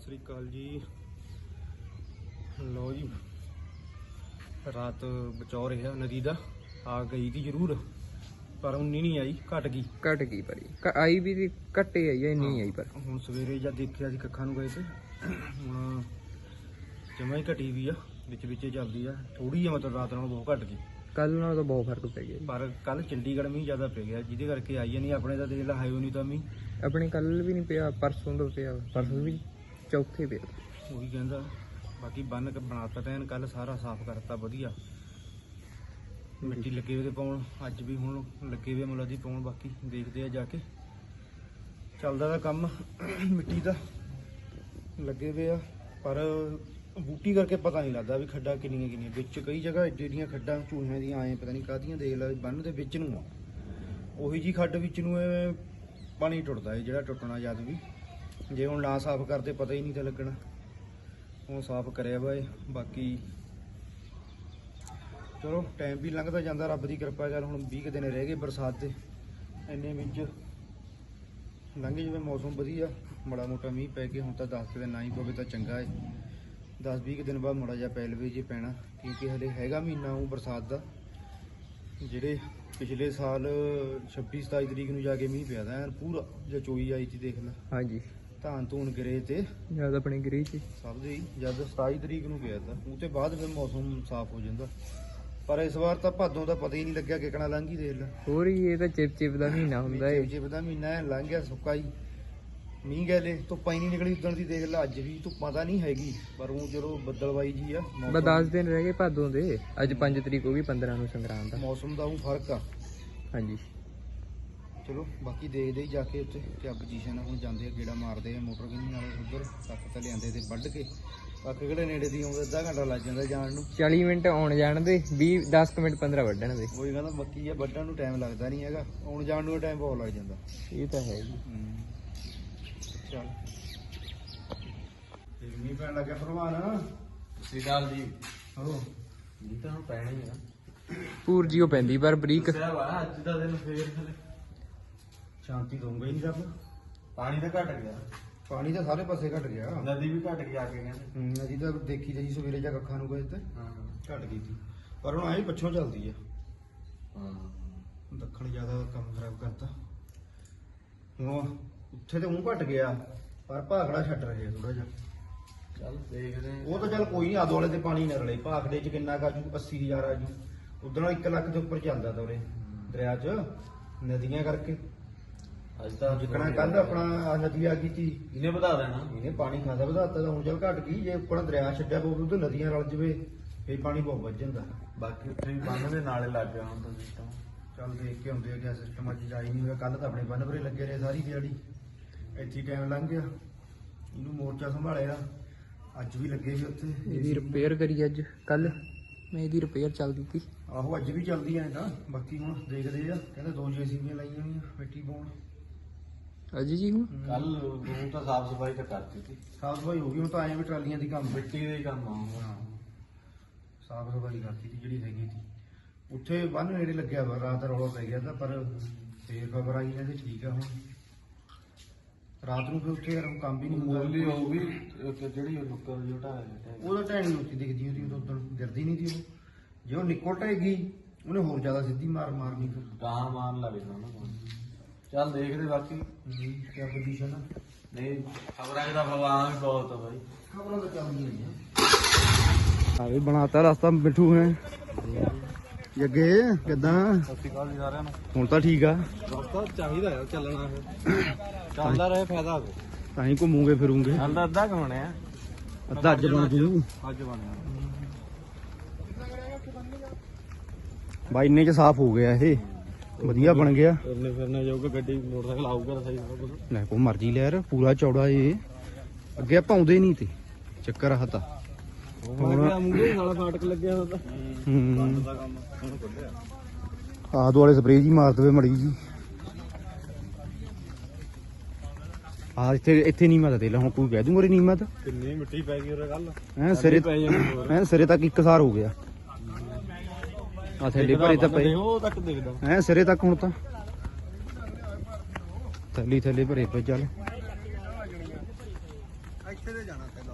ਸ੍ਰੀ ਅਕਾਲ ਜੀ। ਲੋ ਜੀ, ਰਾਤ ਬਚਾਓ ਰਿਹਾ ਨਦੀ ਦਾ ਆ ਗਈ ਤੀ ਜ਼ਰੂਰ, ਪਰ ਉਨੀ ਨਹੀਂ ਆਈ, ਘਟ ਗਈ ਪਰ ਆਈ ਵੀ ਦੀ ਘੱਟੇ ਆਈ ਆ, ਇੰਨੀ ਆਈ। ਪਰ ਹੁਣ ਸਵੇਰੇ ਜਦ ਦੇਖਿਆ ਸੀ ਕੱਖਾਂ ਨੂੰ ਗਏ ਤੇ ਹੁਣ ਜਮਾਂ ਹੀ ਘਟੀ ਵੀ ਆ, ਵਿੱਚ ਵਿੱਚ ਚੱਲਦੀ ਆ ਥੋੜੀ ਜਿਹੀ, ਮਤਲਬ ਰਾਤ ਨਾਲੋਂ ਬਹੁਤ ਘਟ ਗਈ। ਕੱਲ ਨਾਲੋਂ ਤਾਂ ਬਹੁਤ ਫਰਕ ਪੈ ਗਿਆ, ਪਰ ਕੱਲ ਚੰਡੀਗੜ੍ਹ ਮੀਂਹ ਜ਼ਿਆਦਾ ਪੈ ਗਿਆ, ਜਿਹਦੇ ਕਰਕੇ ਆਈ ਨਹੀਂ। ਆਪਣੇ ਤਾਂ ਦੇਖ ਲਾ ਹਾਈ ਨਹੀਂ ਤਾਂ ਮੀਂਹ ਆਪਣੇ ਕੱਲ ਵੀ ਨਹੀਂ ਪਿਆ, ਪਰਸੋਂ ਤੋਂ ਪਿਆ, ਪਰਸੋਂ ਵੀ ਚੌਥੇ ਪਿਆ। ਉਹੀ ਕਹਿੰਦਾ। ਬਾਕੀ ਬੰਨ ਕੇ ਬਣਾਤਾ ਤੈਨ, ਕੱਲ ਸਾਰਾ ਸਾਫ਼ ਕਰਤਾ ਵਧੀਆ, ਮਿੱਟੀ ਲੱਗੇ ਹੋਏ ਤੇ ਪਾਉਣ, ਅੱਜ ਵੀ ਹੁਣ ਲੱਗੇ ਹੋਏ ਮੁੱਲਾ ਦੀ ਪਾਉਣ। ਬਾਕੀ ਦੇਖਦੇ ਆ ਜਾ ਕੇ, ਚੱਲਦਾ ਦਾ ਕੰਮ ਮਿੱਟੀ ਦਾ ਲੱਗੇ ਹੋਏ ਆ, ਪਰ ਬੂਟੀ ਕਰਕੇ ਪਤਾ ਨਹੀਂ ਲੱਗਦਾ ਵੀ ਖੱਡਾਂ ਕਿੰਨੀਆਂ ਵਿੱਚ। ਕਈ ਜਗ੍ਹਾ ਏਡੀਆਂ ਖੱਡਾਂ ਚੂਹਿਆਂ ਦੀਆਂ ਆਏ, ਪਤਾ ਨਹੀਂ ਕਾਹਦੀਆਂ, ਦੇਖ ਲੈ ਬੰਨ ਦੇ ਵਿੱਚ ਨੂੰ ਆ, ਉਹੀ ਜੀ ਖੱਡ ਵਿੱਚ ਨੂੰ ਇਹ ਪਾਣੀ ਟੁੱਟਦਾ ਹੈ, ਜਿਹੜਾ ਟੁੱਟਣਾ ਜਦ ਵੀ। ਜੇ ਹੁਣ ਨਾ ਸਾਫ਼ ਕਰਦੇ ਪਤਾ ਹੀ ਨਹੀਂ ਤਾਂ ਲੱਗਣਾ। ਹੁਣ ਸਾਫ਼ ਕਰਿਆ ਵਾ ਇਹ। ਬਾਕੀ ਚਲੋ ਟਾਈਮ ਵੀ ਲੰਘਦਾ ਜਾਂਦਾ, ਰੱਬ ਦੀ ਕਿਰਪਾ। ਚੱਲ ਹੁਣ 20 ਦਿਨ ਰਹਿ ਗਏ ਬਰਸਾਤ ਦੇ, ਇੰਨੇ ਵਿੱਚ ਲੰਘ ਜਾਵੇ ਮੌਸਮ ਵਧੀਆ, ਮਾੜਾ ਮੋਟਾ ਮੀਂਹ ਪੈ ਕੇ। ਹੁਣ ਤਾਂ 10 ਦਿਨ ਨਾ ਹੀ ਪਵੇ ਤਾਂ ਚੰਗਾ ਹੈ, 10-20 ਦਿਨ ਬਾਅਦ ਮਾੜਾ ਜਿਹਾ ਪੈ ਲਵੇ ਜੇ ਪੈਣਾ, ਕਿਉਂਕਿ ਹਲੇ ਹੈਗਾ ਮਹੀਨਾ ਉਹ ਬਰਸਾਤ ਦਾ। ਜਿਹੜੇ ਪਿਛਲੇ ਸਾਲ 26-27 ਤਰੀਕ ਨੂੰ ਜਾ ਕੇ ਮੀਂਹ ਪਿਆ ਦਾ ਪੂਰਾ, ਜੇ ਚੋਈ ਆਈ ਸੀ ਦੇਖ ਲੈ। ਹਾਂਜੀ, ਧਾਨ ਧੂਨ ਗਿਰੇ ਤੇ ਜਦ ਆਪਣੇ ਗਿਰੀ ਚ ਸਭ ਦੇ ਹੀ, ਜਦ 27 ਤਰੀਕ ਨੂੰ ਪਿਆ ਤਾ, ਉਹ ਤੇ ਬਾਅਦ ਫਿਰ ਮੌਸਮ ਸਾਫ਼ ਹੋ ਜਾਂਦਾ। ਪਰ ਇਸ ਵਾਰ ਤਾਂ ਭਾਦੋਂ ਦਾ ਪਤਾ ਹੀ ਨਹੀਂ ਲੱਗਿਆ ਕਿਕਣਾ ਲੰਘ ਹੀ, ਦੇਖ ਲੈ। ਹੋਰ ਹੀ, ਇਹ ਤਾਂ ਚਿਪ ਦਾ ਮਹੀਨਾ ਹੁੰਦਾ ਏ। ਚਿਪ ਦਾ ਮਹੀਨਾ ਹੈ, ਲੰਘ ਗਿਆ ਸੁੱਕਾ ਹੀ। ਮੀਂਹ ਗੈਲੇ ਧੁੱਪਾਂ ਹੀ ਨਹੀਂ ਨਿਕਲੀ ਉਦਣ ਦੀ, ਦੇਖ ਲੈ। ਅੱਜ ਵੀ ਧੁੱਪਾਂ ਤਾਂ ਨਹੀਂ ਹੈਗੀ, ਪਰ ਉਹ ਚਲੋ ਬੱਦਲਵਾਈ ਜੀ ਆ। ਬਸ 10 ਦਿਨ ਰਹਿ ਗਏ ਭਾਦੋਂ ਦੇ, ਅੱਜ 5 ਤਰੀਕ ਹੋ ਗਈ, 15 ਨੂੰ ਸੰਗਰਾਂਦ ਦਾ। ਮੌਸਮ ਦਾ ਉਹ ਫਰਕ ਆ। ਹਾਂਜੀ ਚਲੋ ਬਾਕੀ ਦੇਖਦੇ ਹੀ ਜਾ ਕੇ ਉੱਥੇ ਕਿਆ ਪੋਜੀਸ਼ਨ ਆ। ਹੁਣ ਜਾਂਦੇ ਆ, ਗੇੜਾ ਮਾਰਦੇ ਆ ਮੋਟਰ ਕਿੰਨੀ ਨਾਲੇ ਉੱਧਰ ਤੱਕ ਤਾਂ ਲਿਆਂਦੇ ਤੇ ਵੱਢ ਕੇ। ਬਾਕੀ ਕਿਹੜੇ ਨੇੜੇ ਦੀ ਆਉਂਦੇ, ਅੱਧਾ ਘੰਟਾ ਲੱਗ ਜਾਂਦਾ ਜਾਣ ਨੂੰ। 40 ਮਿੰਟ ਆਉਣ ਜਾਣ ਦੇ, 10 ਮਿੰਟ 15 ਵੱਢਣ ਦੇ। ਉਹੀ ਕਹਿੰਦਾ, ਮੱਕੀ ਆ ਵੱਢਣ ਨੂੰ ਟਾਈਮ ਲੱਗਦਾ ਨਹੀਂ ਹੈਗਾ, ਆਉਣ ਜਾਣ ਨੂੰ ਟਾਈਮ ਬਹੁਤ ਲੱਗ ਜਾਂਦਾ। ਇਹ ਤਾਂ ਹੈ ਜੀ। ਚੱਲ ਮੀਂਹ ਪੈਣ ਲੱਗਿਆ ਭਰਵਾਨ। ਸ੍ਰੀ ਅਕਾਲ ਜੀ। ਹੋ ਮੀਂਹ ਤਾਂ ਹੁਣ ਪੈਣਾ ਹੀ ਆ। ਪੂਰ ਜੀ ਉਹ ਪੈਂਦੀ ਪਰ ਬਰੀਕ। ਅੱਜ ਦਾ ਦਿਨ ਫੇਰ ਥਲੇ ਸ਼ਾਂਤੀ ਦਊਂਗਾ ਹੀ ਨਹੀਂ ਰੱਬ। ਪਾਣੀ ਤਾਂ ਘਟ ਗਿਆ, ਪਾਣੀ ਤਾਂ ਸਾਰੇ ਪਾਸੇ ਘਟ ਗਿਆ। ਨਦੀ ਵੀ ਘਟ ਗਈ ਆ ਕੇ ਕਹਿੰਦੇ। ਨਦੀ ਤਾਂ ਦੇਖੀ ਤਾਂ ਜੀ ਸਵੇਰੇ ਜਾ ਅੱਖਾਂ ਨੂੰ ਗਏ ਤੇ ਘਟ ਗਈ ਸੀ, ਪਰ ਹੁਣ ਆਏ ਪੱਛੋਂ ਚੱਲਦੀ ਆ। ਦੱਖਣ ਜ਼ਿਆਦਾ ਕੰਮ ਖਰਾਬ ਕਰਤਾ। ਹੁਣ ਉੱਥੇ ਤੇ ਉਹ ਘਟ ਗਿਆ, ਪਰ ਭਾਖੜਾ ਛੱਡ ਰਹੇ ਥੋੜਾ ਜਿਹਾ। ਚੱਲ ਦੇਖਦੇ ਆ। ਉਹ ਤਾਂ ਚੱਲ ਕੋਈ ਨਹੀਂ, ਆਦੋ ਵਾਲੇ ਤੇ ਪਾਣੀ ਨਾ ਰਲੇ। ਭਾਖੜੇ ਚ ਕਿੰਨਾ ਕਾਜੂ 80,000 ਆਜੂ, ਉਦੋਂ 1 ਲੱਖ ਦੇ ਉੱਪਰ ਚੱਲਦਾ ਤਾ ਉਰੇ ਦਰਿਆ ਚ, ਨਦੀਆਂ ਕਰਕੇ। ਅੱਜ ਤਾਂ ਜਿੱਕਣਾ ਕੱਲ ਆਪਣਾ ਨਦੀ ਆ ਗਈ ਸੀ, ਇਹਨੇ ਵਧਾ ਦੇਣਾ। ਇਹਨੇ ਪਾਣੀ ਖਾਸਾ ਵਧਾਤਾ, ਤਾਂ ਹੁਣ ਚੱਲ ਘਟ ਗਈ। ਜੇ ਉੱਪਰ ਦਰਿਆ ਛੱਡਿਆ ਪਊ ਤਾਂ ਨਦੀਆਂ ਰਲ ਜਵੇ, ਫੇਰ ਪਾਣੀ ਬਹੁਤ ਵੱਧ ਜਾਂਦਾ। ਬਾਕੀ ਉੱਥੇ ਵੀ ਬੰਨ ਦੇ ਨਾਲੇ ਲੱਗ ਗਿਆ ਹੁਣ ਤਾਂ ਸਿਸਟਮ। ਚੱਲ ਦੇਖ ਕੇ ਆਉਂਦੇ ਆ ਕਿਆ ਸਿਸਟਮ। ਅੱਜ ਜਾਈ ਨਹੀਂ ਹੋਇਆ, ਕੱਲ ਤਾਂ ਆਪਣੇ ਬੰਨ ਭਰੇ ਲੱਗੇ ਰਹੇ ਸਾਰੀ ਦਿਹਾੜੀ, ਇੱਥੇ ਟਾਈਮ ਲੰਘ ਗਿਆ। ਇਹਨੂੰ ਮੋਰਚਾ ਸੰਭਾਲਿਆ, ਅੱਜ ਵੀ ਲੱਗੇ ਸੀ ਉੱਥੇ। ਇਹਦੀ ਰਿਪੇਅਰ ਕਰੀ ਅੱਜ, ਕੱਲ ਮੈਂ ਇਹਦੀ ਰਿਪੇਅਰ ਚੱਲਦੀ ਸੀ। ਆਹੋ ਅੱਜ ਵੀ ਚੱਲਦੀ ਐ ਤਾਂ। ਬਾਕੀ ਹੁਣ ਦੇਖਦੇ ਆ, ਕਹਿੰਦੇ 2 JCB ਲਾਈਆਂ ਹੋਈਆਂ ਮਿੱਟੀ ਪਾਉਣ। ਅੱਜ ਜੀ ਹੁਣ ਕੱਲ ਉਹ ਤਾਂ ਸਾਫ ਸਫਾਈ ਤਾਂ ਕਰਤੀ ਸੀ, ਸਾਫ਼ ਸਫਾਈ ਹੋ ਗਈ। ਹੁਣ ਤਾਂ ਆਏ ਵੀ ਟਰਾਲੀਆਂ ਦੀ ਕੰਮ, ਮਿੱਟੀ ਦਾ ਹੀ ਕੰਮ ਆਉਂਦਾ। ਸਾਫ਼ ਸਫਾਈ ਕਰਤੀ ਸੀ ਜਿਹੜੀ ਹੈਗੀ ਸੀ। ਉੱਥੇ ਬੰਨ ਨੇੜੇ ਲੱਗਿਆ ਵਾ, ਰਾਤ ਰੌਲਾ ਪੈ ਗਿਆ ਤਾਂ, ਪਰ ਫੇਰ ਖਬਰ ਆਈ ਕਹਿੰਦੇ ਠੀਕ ਆ ਹੁਣ। ਰਾਤ ਨੂੰ ਫਿਰ ਉੱਥੇ ਯਾਰ ਕੰਮ ਵੀ ਨਹੀਂ ਮੋਲੀ ਹੁੰਦਾ। ਹੋਊਗੀ ਜਿਹੜੀ ਨੁੱਕਰ ਜਟਾ ਹੈ, ਉਹਦਾ ਢੈਣੀ ਉੱਚੀ ਦਿਖਦੀ ਹੁੰਦੀ, ਉਦੋਂ ਉਦੋਂ ਗਿਰਦੀ ਨਹੀਂ ਸੀ ਉਹ। ਜੇ ਉਹ ਨਿਕਲ ਢਏਗੀ ਉਹਨੇ ਹੋਰ ਜ਼ਿਆਦਾ ਸਿੱਧੀ ਮਾਰਨੀ ਫਿਰ। ਗਾਂ ਮਾਰਨ ਲੱਗ ਜਾਣਾ ਨਾ। ਚੱਲ ਦੇਖਦੇ ਬਾਕੀ ਕਿਆ ਪੋਜੀਸ਼ਨ ਆ। ਨਹੀਂ ਖਬਰਾਂ ਦਾ ਭਗਵਾਨ ਵੀ ਬਹੁਤ ਆ ਬਾਈ। ਖਬਰਾਂ ਤਾਂ ਚੱਲਦੀਆਂ ਨੇ। ਆ ਵੀ ਬਣਾਤਾ ਰਸਤਾ ਮਿੱਠੂ ਹੈ। ਜੱਗੇ ਕਿੱਦਾਂ? ਸਤਿ ਸ਼੍ਰੀ ਅਕਾਲ ਜੀ ਸਾਰਿਆਂ ਨੂੰ। ਹੁਣ ਤਾਂ ਠੀਕ ਆ। ਰਸਤਾ ਚਾਹੀਦਾ ਯਾਰ ਚੱਲਣਾ, ਫਿਰ ਚੱਲਦਾ ਰਹੇ ਫਾਇਦਾ ਹੋਵੇ। ਤਾਂ ਹੀ ਘੁੰਮੂਗੇ ਫਿਰੂਗੇ। ਚੱਲਦਾ ਅੱਧਾ ਕਮਾਉਣੇ ਆ, ਅੱਧਾ ਅੱਜ ਬਣ ਜੂ ਅੱਜ ਬਣਿਆ। ਬਾਈ ਇੰਨੇ ਚ ਸਾਫ਼ ਹੋ ਗਿਆ ਇਹ, ਵਧੀਆ ਬਣ ਗਿਆ। ਫਿਰਨੇ ਫਿਰਨੇ ਜਾਊਗਾ, ਗੱਡੀ ਮੋਟਰਸਾਈਕਲ ਆਊਗਾ ਸਹੀ ਸਾਰਾ ਕੁਝ। ਲੈ ਕੋ ਮਰਜੀ ਲੈ ਯਾਰ, ਪੂਰਾ ਚੌੜਾ ਇਹ। ਅੱਗੇ ਆਪਾਂ ਆਉਂਦੇ ਨਹੀਂ ਤੇ ਚੱਕਰ ਆ ਤਾਂ। ਹੁਣ ਮੂਹਰੇ ਸਾਲਾ ਫਾਟਕ ਲੱਗਿਆ ਹੋਇਆ ਤਾਂ ਬੰਦ ਦਾ ਕੰਮ ਹੁਣ ਕੱਢਿਆ। ਆਦ ਵਾਲੇ ਸਪਰੇਅ ਜੀ ਮਾਰ ਦੇਵੇ ਮੜੀ ਜੀ। ਆ ਇੱਥੇ ਨੀਮਾ ਤਾਂ ਦੇ ਲਾ, ਹੁਣ ਕੋਈ ਕਹਿ ਦੂੰਗਾ ਨੀਮਾ ਤਾਂ। ਕਿੰਨੀ ਮਿੱਟੀ ਪੈ ਗਈ ਉਹ ਗੱਲ ਸਿਰੇ ਪੈ ਜਾਣੀ ਹੋਰ। ਸਿਰੇ ਤੱਕ ਇੱਕ ਸਾਰ ਹੋ ਗਿਆ। ਆ ਥੈਲੇ ਭਰੇ ਤਾਂ ਪਏ ਉਹ ਤੱਕ ਦੇਖਦਾ ਸਿਰੇ ਤੱਕ। ਹੁਣ ਤਾਂ ਥੈਲੇ ਭਰੇ ਪਏ। ਚੱਲ ਇੱਥੇ ਤੇ ਜਾਣਾ ਪਹਿਲਾਂ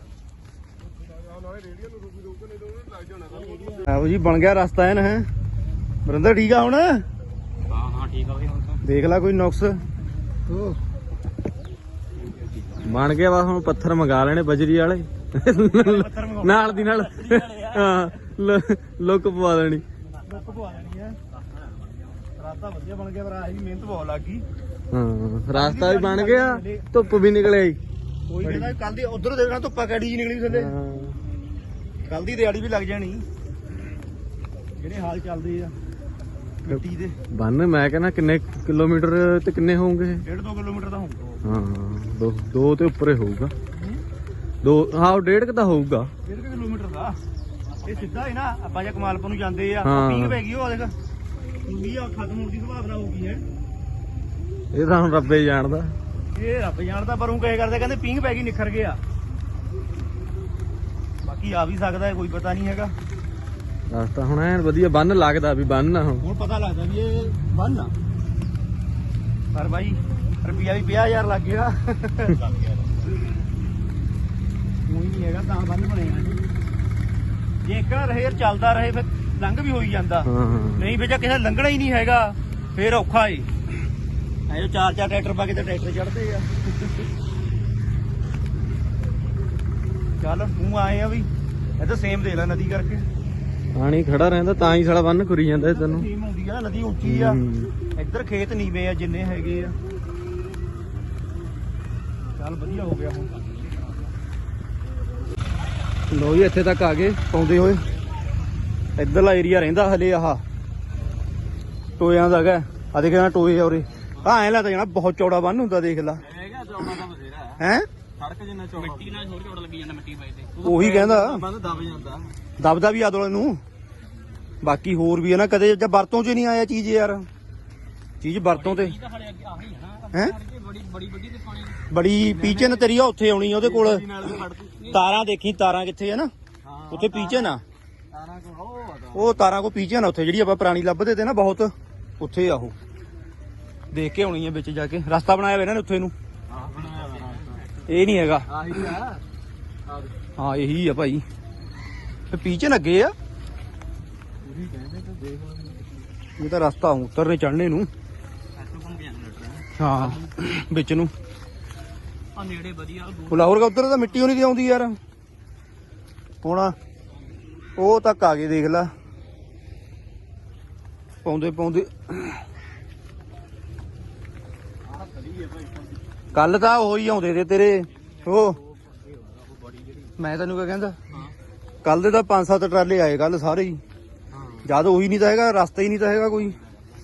ਆਓ ਜੀ ਬਣ ਗਿਆ ਰਸਤਾ ਐਨ ਹੈ ਬਰਿੰਦਰ ਠੀਕ ਆ ਹੁਣ ਹਾਂ ਠੀਕ ਆ ਬਈ ਹੁਣ ਤਾਂ ਦੇਖ ਲੈ ਕੋਈ ਨੁਕਸ ਬਣ ਗਿਆ ਬਸ ਹੁਣ ਪੱਥਰ ਮੰਗਾ ਲੈਣੇ ਬਜਰੀ ਵਾਲੇ ਨਾਲ ਦੀ ਨਾਲ ਹਾਂ ਲੁੱਕ ਪਵਾ ਦੇਣੀ ਲੁੱਕ ਪਵਾ ਦੇਣੀ ਹੈ ਰਸਤਾ ਵਧੀਆ ਬਣ ਗਿਆ ਪਰ ਆਹੀ ਮਿਹਨਤ ਬਹੁਤ ਲੱਗ ਗਈ ਹਾਂ ਰਸਤਾ ਵੀ ਬਣ ਗਿਆ ਧੁੱਪ ਵੀ ਨਿਕਲ ਆਈ ਕੋਈ ਕਹਿੰਦਾ ਕੱਲ ਦੀ ਉਧਰ ਦੇਖਣਾ ਧੁੱਪਾ ਕੈੜੀ ਜੀ ਨਿਕਲੀ ਥੱਲੇ ਕੱਲ ਦੀ ਦਿਹਾੜੀ ਵੀ ਲੱਗ ਜਾਣੀ ਜਿਹੜੇ ਹਾਲ ਚੱਲਦੇ ਆ ਮਿੱਟੀ ਦੇ ਬੰਨ ਮੈਂ ਕਹਿੰਦਾ ਕਿੰਨੇ ਕਿਲੋਮੀਟਰ ਤੇ ਕਿੰਨੇ ਹੋਣਗੇ 1.5-2 ਕਿਲੋਮੀਟਰ ਦਾ ਹੋਊਗਾ ਹਾਂ ਦੋ ਤੇ ਉੱਪਰ ਹੀ ਹੋਊਗਾ ਦੋ ਹਾਂ 1.5 ਤਾਂ ਹੋਊਗਾ 1.5 ਕਿਲੋਮੀਟਰ ਦਾ ਇਹ ਸਿੱਧਾ ਹੀ ਨਾ ਆਪਾਂ ਜੇ ਕਮਾਲਪੁਰ ਨੂੰ ਜਾਂਦੇ ਆ ਹਾਂ। ਪੀਂਘ ਪੈ ਗਈ ਉਹ ਦੇਖ ਪੂਰੀ ਆ ਖਤਮ ਹੋਣ ਦੀ ਸੰਭਾਵਨਾ ਹੋਊਗੀ ਹੈ ਇਹ ਤਾਂ ਹੁਣ ਰੱਬੇ ਜਾਣਦਾ ਇਹ ਰੱਬ ਜਾਣਦਾ ਪਰ ਉਹ ਕਹੇ ਕਰਦੇ ਕਹਿੰਦੇ ਪੀਂਘ ਪੈ ਗਈ ਨਿਖਰ ਗਿਆ ਬਾਕੀ ਆ ਵੀ ਸਕਦਾ ਹੈ ਕੋਈ ਪਤਾ ਨਹੀਂ ਹੈਗਾ ਰਸਤਾ ਹੁਣ ਐਨ ਵਧੀਆ ਬੰਨ ਲੱਗਦਾ ਵੀ ਬੰਨ ਆ ਹੁਣ ਹੁਣ ਪਤਾ ਲੱਗਦਾ ਵੀ ਇਹ ਬੰਨ ਆ ਪਰ ਬਾਈ ਰੁਪਿਆ ਵੀ 50000 ਲੱਗ ਗਿਆ ਕੋਈ ਨਹੀਂ ਹੈਗਾ ਤਾਂ ਬੰਨ ਬਣੇਗਾ ਜੇ ਇੱਕ ਰਹੇ ਯਾਰ ਚੱਲਦਾ ਰਹੇ ਫਿਰ ਲੰਘ ਵੀ ਹੋਈ ਜਾਂਦਾ ਹਾਂ ਨਹੀਂ ਵਿੱਚ ਕਿਸੇ ਲੰਘਣਾ ਹੀ ਨਹੀਂ ਹੈਗਾ ਫੇਰ ਔਖਾ ਏ ਐ ਜੋ 4-4 ਟਰੈਕਟਰ ਪਾ ਕੇ ਤੇ ਟਰੈਕਟਰ ਚੜਦੇ ਆ ਚੱਲ ਤੂੰ ਆਏ ਆ ਵੀ ਇਹ ਤਾਂ ਸੇਮ ਦੇ ਲੈ ਨਦੀ ਕਰਕੇ ਪਾਣੀ ਖੜਾ ਰਹਿੰਦਾ ਤਾਂ ਹੀ ਸਾਲਾ ਬੰਨ ਖੁਰੀ ਜਾਂਦਾ ਇਹ ਤੈਨੂੰ ਸੇਮ ਹੁੰਦੀ ਆ ਨਦੀ ਉੱਚੀ ਆ ਇੱਧਰ ਖੇਤ ਨੀਵੇਂ ਆ ਜਿੰਨੇ ਹੈਗੇ ਆ ਚੱਲ ਵਧੀਆ ਹੋ ਗਿਆ ਹੁਣ ਲੋ ਜੀ ਇੱਥੇ ਤੱਕ ਆ ਗਏ ਪਾਉਂਦੇ ਹੋਏ ਇੱਧਰਲਾ ਏਰੀਆ ਰਹਿੰਦਾ ਹਲੇ ਆਹ ਟੋਇਆਂ ਦਾ ਹੈਗਾ ਆ ਦੇਖ ਨਾ ਟੋਏ ਆ ਉਰੇ ਆ ਐ ਲੱਗਦਾ ਜਾਣਾ ਬਹੁਤ ਚੌੜਾ ਬੰਨ ਹੁੰਦਾ ਦੇਖ ਲਾ ਹੈਗਾ ਚੌੜਾ ਤਾਂ ਬਥੇਰਾ ਹੈ ਸੜਕ ਜਿੰਨਾ ਚੌੜਾ ਮਿੱਟੀ ਨਾਲ ਥੋੜੀ ਚੌੜਾ ਲੱਗੀ ਜਾਂਦਾ ਮਿੱਟੀ ਪਾਈ ਤੇ ਉਹੀ ਕਹਿੰਦਾ ਬੰਦ ਦਬ ਜਾਂਦਾ ਦਬਦਾ ਵੀ ਆਦੋਲੇ ਨੂੰ ਬਾਕੀ ਹੋਰ ਵੀ ਹੈ ਨਾ ਕਦੇ ਜਦ ਵਰਤੋਂ 'ਚ ਨਹੀਂ ਆਇਆ ਚੀਜ਼ ਯਾਰ ਚੀਜ਼ ਵਰਤੋਂ ਤੇ ਹੈ ਬੜੀ ਬੜੀ ਵੱਡੀ ਤੇ ਪਾਣੀ ਬੜੀ ਪੀਚਨ ਤੇਰੀ ਆ ਉੱਥੇ ਆਉਣੀ ਆ ਉਹਦੇ ਕੋਲ ਨਾਲ ਫੜਦੀ ਤਾਰਾਂ ਦੇਖੀ ਤਾਰਾਂ ਕਿੱਥੇ ਆ ਨਾ ਉੱਥੇ ਪੀਚਨ ਆ ਤਾਰਾਂ ਕੋ ਉਹ ਤਾਰਾਂ ਕੋ ਪੀਚਨ ਆ ਉੱਥੇ ਜਿਹੜੀ ਆਪਾਂ ਪੁਰਾਣੀ ਲੱਭਦੇ ਤੇ ਨਾ ਬਹੁਤ ਉੱਥੇ ਆ ਉਹ ਦੇਖ ਕੇ ਆਉਣੀ ਆ ਵਿੱਚ ਜਾ ਕੇ ਰਸਤਾ ਬਣਾਇਆ ਹੋਇਆ ਇਹਨਾਂ ਨੇ ਉੱਥੇ ਨੂੰ ਇਹ ਨਹੀਂ ਹੈਗਾ ਆਹੀ ਆ ਹਾਂ ਇਹੀ ਆ ਭਾਈ ਤੇ ਪੀਚਨ ਅੱਗੇ ਆ ਉਹੀ ਕਹਿੰਦੇ ਤੇ ਦੇਖ ਲਓ ਇਹ ਤਾਂ ਰਸਤਾ ਉਤਰਨੇ ਚੜਨੇ ਨੂੰ ਐਸੋ ਕੋਲ ਗਿਆ ਹਾਂ ਵਿੱਚ ਨੂੰ ਆ ਨੇੜੇ ਵਧੀਆ ਉਹ ਲਾਹੌਰ ਦਾ ਉੱਧਰ ਤਾਂ ਮਿੱਟੀ ਹੋਣੀ ਦੀ ਆਉਂਦੀ ਯਾਰ ਹੁਣ ਉਹ ਤੱਕ ਆ ਗਏ ਦੇਖ ਲਾ ਪਾਉਂਦੇ ਪਾਉਂਦੇ ਕੱਲ ਤਾਂ ਉਹੀ ਆਉਂਦੇ ਤੇ ਤੇਰੇ ਉਹ ਮੈਂ ਤੈਨੂੰ ਕਿਆ ਕਹਿੰਦਾ ਕੱਲ ਦੇ ਤਾਂ 5-7 ਟਰਾਲੇ ਆਏ ਕੱਲ ਸਾਰੇ ਹੀ ਜਦ ਉਹੀ ਨਹੀਂ ਤਾਂ ਹੈਗਾ ਰਸਤਾ ਹੀ ਨਹੀਂ ਤਾਂ ਹੈਗਾ ਕੋਈ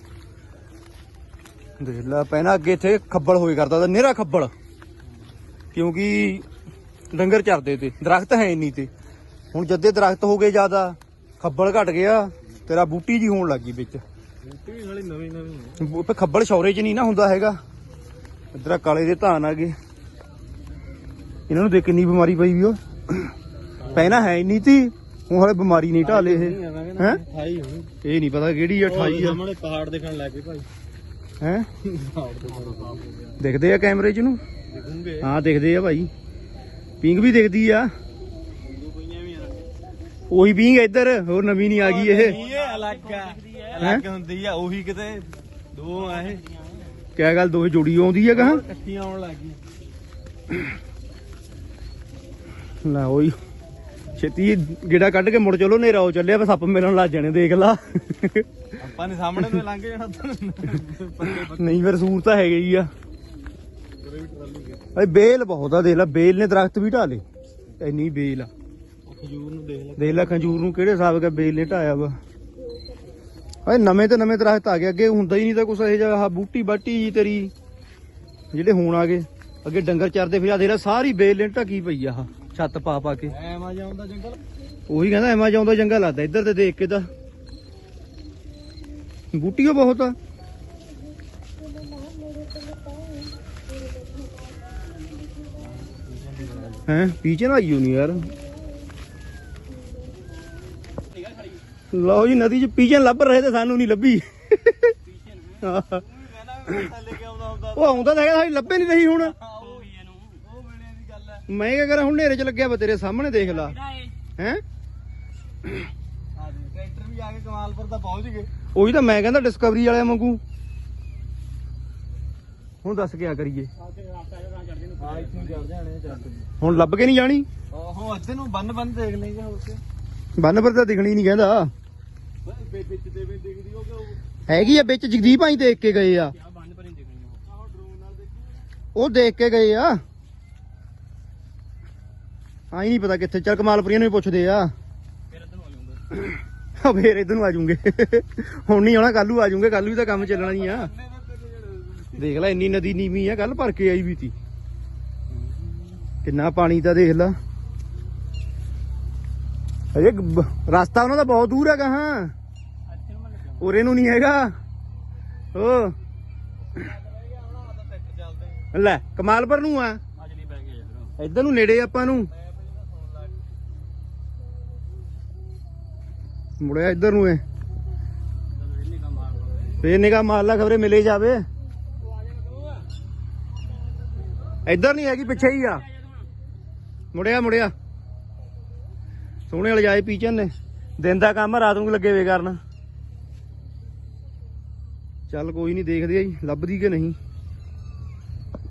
ਦੇਖ ਲੈ ਪਹਿਲਾਂ ਅੱਗੇ ਇੱਥੇ ਖੱਬਲ ਹੋਏ ਕਰਦਾ ਤਾਂ ਨੇਰਾ ਖੱਬਲ ਕਿਉਂਕਿ ਡੰਗਰ ਚਰਦੇ ਤੇ ਦਰਖਤ ਹੈ ਨਹੀਂ ਤੇ ਹੁਣ ਜਦੇ ਦਰਖਤ ਹੋ ਗਏ ਜ਼ਿਆਦਾ ਖੱਬਲ ਘਟ ਗਿਆ ਤੇਰਾ ਬੂਟੀ ਜੀ ਹੋਣ ਲੱਗੀ ਵਿੱਚ ਬੂਟੀ ਵੀ ਸਾਲੀ ਨਵੀਂ ਨਵੀਂ ਖੱਬਲ ਸ਼ੌਰੇ 'ਚ ਨਹੀਂ ਨਾ ਹੁੰਦਾ ਹੈਗਾ ਇੱਧਰ ਕਾਲੇ ਦੇ ਧਾਨ ਆ ਗਏ ਇਹਨਾਂ ਨੂੰ ਦੇਖ ਕਿੰਨੀ ਬਿਮਾਰੀ ਪਈ ਵੀ ਉਹ ਪਹਿਲਾਂ ਹੈ ਹੀ ਨਹੀਂ ਤੀ ਹੁਣ ਹਲੇ ਬਿਮਾਰੀ ਨਹੀਂ ਢਾਲੇ ਇਹ ਹੈ 28 ਹੋਣੀ ਇਹ ਨਹੀਂ ਪਤਾ ਕਿਹੜੀ ਆ 28 ਆ ਸਾਹਮਣੇ ਪਹਾੜ ਦੇਖਣ ਲੱਗ ਗਏ ਭਾਈ ਹੈ ਪਹਾੜ ਤੇ ਬੜਾ ਸਾਫ ਹੋ ਗਿਆ ਦਿਖਦੇ ਆ ਕੈਮਰੇ 'ਚ ਨੂੰ ਦਿਖੂਗੇ ਹਾਂ ਦਿਖਦੇ ਆ ਭਾਈ ਪਿੰਗ ਵੀ ਦਿਖਦੀ ਆ ਪਈਆਂ ਵੀ ਉਹੀ ਪਿੰਗ ਇੱਧਰ ਹੋਰ ਨਵੀਂ ਨਹੀਂ ਆ ਗਈ ਇਹ ਇਹ ਅਲੱਗ ਆ ਅਲੱਗ ਹੁੰਦੀ ਆ ਉਹੀ ਕਿਤੇ ਦੋ ਆ ਇਹ ਕਿਆ ਗੱਲ ਦੋਹੇ ਜੋੜੀ ਆਉਂਦੀ ਆ ਕਹਾਂ ਇਕੱਠੀਆਂ ਆਉਣ ਲੱਗ ਗਈਆਂ ਲੈ ਉਹੀ ਛੇਤੀ ਗੇੜਾ ਕੱਢ ਕੇ ਮੁੜ ਚਲੋ ਨੇਰਾ ਹੋ ਚੱਲਿਆ ਬਸ ਸੱਪ ਮਿਲਣ ਲੱਗ ਜਾਣੇ ਦੇਖ ਲਾ ਆਪਾਂ ਨੇ ਸਾਹਮਣੇ ਤੋਂ ਲੰਘ ਜਾਣਾ ਨਹੀਂ ਫਿਰ ਸੂਰ ਤਾਂ ਹੈਗੇ ਹੀ ਆ ਅਰੇ ਬੇਲ ਬਹੁਤ ਆ ਦੇਖ ਲੈ ਬੇਲ ਨੇ ਦਰਖਤ ਵੀ ਢਾਲੇ ਇੰਨੀ ਬੇਲ ਆ ਖਜੂਰ ਨੂੰ ਦੇਖ ਲੈ ਦੇਖ ਲੈ ਖੰਜੂਰ ਨੂੰ ਕਿਹੜੇ ਹਿਸਾਬ ਦਾ ਬੇਲ ਨੇ ਢਾਇਆ ਵਾ ਅਰੇ ਨਵੇਂ ਤੇ ਨਵੇਂ ਦਰਖਤ ਆ ਗਏ ਅੱਗੇ ਹੁੰਦਾ ਹੀ ਨਹੀਂ ਤਾਂ ਕੁਛ ਇਹ ਜਿਹਾ ਆਹ ਬੂਟੀ ਬਾਟੀ ਜੀ ਤੇਰੀ ਜਿਹੜੇ ਹੁਣ ਆ ਗਏ ਅੱਗੇ ਡੰਗਰ ਚਰਦੇ ਫਿਰ ਆ ਦੇਖ ਲੈ ਸਾਰੀ ਬੇਲ ਨੇ ਢਕੀ ਪਈ ਆ ਆਹ ਛੱਤ ਪਾ ਪਾ ਕੇ ਐਮਾ ਜਾਂਦਾ ਜੰਗਲ ਉਹੀ ਕਹਿੰਦਾ ਐਮਾਜ਼ੋਨ ਦਾ ਜੰਗਲ ਲੱਗਦਾ ਇੱਧਰ ਤੇ ਦੇਖ ਕੇ ਤਾਂ ਬੂਟੀਓ ਬਹੁਤ ਆ ਹੈ ਪੀਛੇ ਨਾ ਆਈਓ ਨਹੀਂ ਯਾਰ ਲਓ ਜੀ ਨਦੀ 'ਚ ਪੀਛੇ ਲੱਭ ਰਹੇ ਤੇ ਸਾਨੂੰ ਨਹੀਂ ਲੱਭੀ ਉਹ ਆਉਂਦਾ ਤਾਂ ਹੈਗਾ ਸਾਡੀ ਲੱਭੇ ਨਹੀਂ ਰਹੀ ਹੁਣ ਉਹ ਵੇਲੇ ਦੀ ਗੱਲ ਹੈ ਮੈਂ ਕਿਆ ਕਰਾਂ ਹੁਣ ਹਨੇਰੇ 'ਚ ਲੱਗਿਆ ਵਾ ਤੇਰੇ ਸਾਹਮਣੇ ਦੇਖ ਲਾ ਹੈ। ਟਰੈਕਟਰ ਵੀ ਆ ਕੇ ਕਮਾਲਪੁਰ ਤਾਂ ਪਹੁੰਚ ਗਏ। ਉਹੀ ਤਾਂ ਮੈਂ ਕਹਿੰਦਾ ਡਿਸਕਵਰੀ ਵਾਲਿਆਂ ਵਾਂਗੂ। ਹੁਣ ਦੱਸ ਕਿਆ ਕਰੀਏ। ਹਾਂ ਇੱਥੇ ਚੜ ਜਾਣੇ ਚੱਕ। ਹੁਣ ਲੱਭ ਕੇ ਨਹੀਂ ਜਾਣੀ। ਆਹੋ ਇੱਥੇ ਨੂੰ ਬੰਨ ਦੇਖ ਲਈਏ ਹੋਰ ਕੇ। ਬੰਨ ਪਰ ਤਾਂ ਦਿਖਣੀ ਨਹੀਂ ਕਹਿੰਦਾ। ਵਿੱਚ ਦੇ ਵੀ ਦਿਖਦੀ ਉਹ ਕਿ ਹੈਗੀ ਆ ਵਿੱਚ ਜਗਦੀਪ ਭਾਈ ਦੇਖ ਕੇ ਗਏ ਆ। ਬੰਨ ਪਰ ਹੀ ਦਿਖਣੀ ਉਹ। ਆਹੋ ਡਰੋਨ ਨਾਲ ਦੇਖੀ। ਉਹ ਦੇਖ ਕੇ ਗਏ ਆ। ਆਈ ਨਹੀਂ ਪਤਾ ਕਿੱਥੇ। ਚੱਲ ਕਮਾਲਪੁਰੀਆਂ ਨੂੰ ਵੀ ਪੁੱਛਦੇ ਆ। ਫਿਰ ਇੱਧਰ ਨੂੰ ਆ ਜਾਊਂਗਾ। ਫੇਰ ਇਧਰ ਨੂੰ ਆ ਜਾਊਂਗੇ। ਹੁਣ ਨਹੀਂ ਆਉਣਾ, ਕੱਲ ਨੂੰ ਆ ਜਾਊਂਗੇ। ਕੱਲ ਵੀ ਤਾਂ ਕੰਮ ਚੱਲਣਾ ਹੀ ਆ। ਦੇਖ ਲੈ ਇੰਨੀ ਨਦੀ ਨੀਵੀਂ ਆ। ਕੱਲ ਭਰ ਕੇ ਆਈ ਵੀ ਤੀ। ਕਿੰਨਾ ਪਾਣੀ ਤਾਂ ਦੇਖ ਲਾ। ਅਜੇ ਰਸਤਾ ਉਹਨਾਂ ਦਾ ਬਹੁਤ ਦੂਰ ਹੈਗਾ। ਹਾਂ ਉਰੇ ਨੂੰ ਨਹੀਂ ਹੈਗਾ। ਓ ਲੈ ਕਮਾਲਪੁਰ ਨੂੰ ਆ। ਇੱਧਰ ਨੂੰ ਨੇੜੇ ਆਪਾਂ ਨੂੰ ਮੁੜਿਆ ਇੱਧਰ ਨੂੰ ਏ। ਫੇਰ ਨਿਗਾਹ ਮਾਰ ਲਾ ਖਬਰੇ ਮਿਲੇ ਜਾਵੇ। ਇੱਧਰ ਨਹੀਂ ਹੈਗੀ, ਪਿੱਛੇ ਹੀ ਆ। ਮੁੜਿਆ ਸੋਹਣੇ ਵਾਲੇ ਜਾਏ ਪੀਚਨ ਨੇ। ਦਿਨ ਦਾ ਕੰਮ ਆ, ਰਾਤ ਨੂੰ ਲੱਗੇ ਵੇ ਕਰਨ। ਚੱਲ ਕੋਈ ਨਹੀਂ, ਦੇਖਦੇ ਆ ਜੀ ਲੱਭਦੀ ਕਿ ਨਹੀਂ।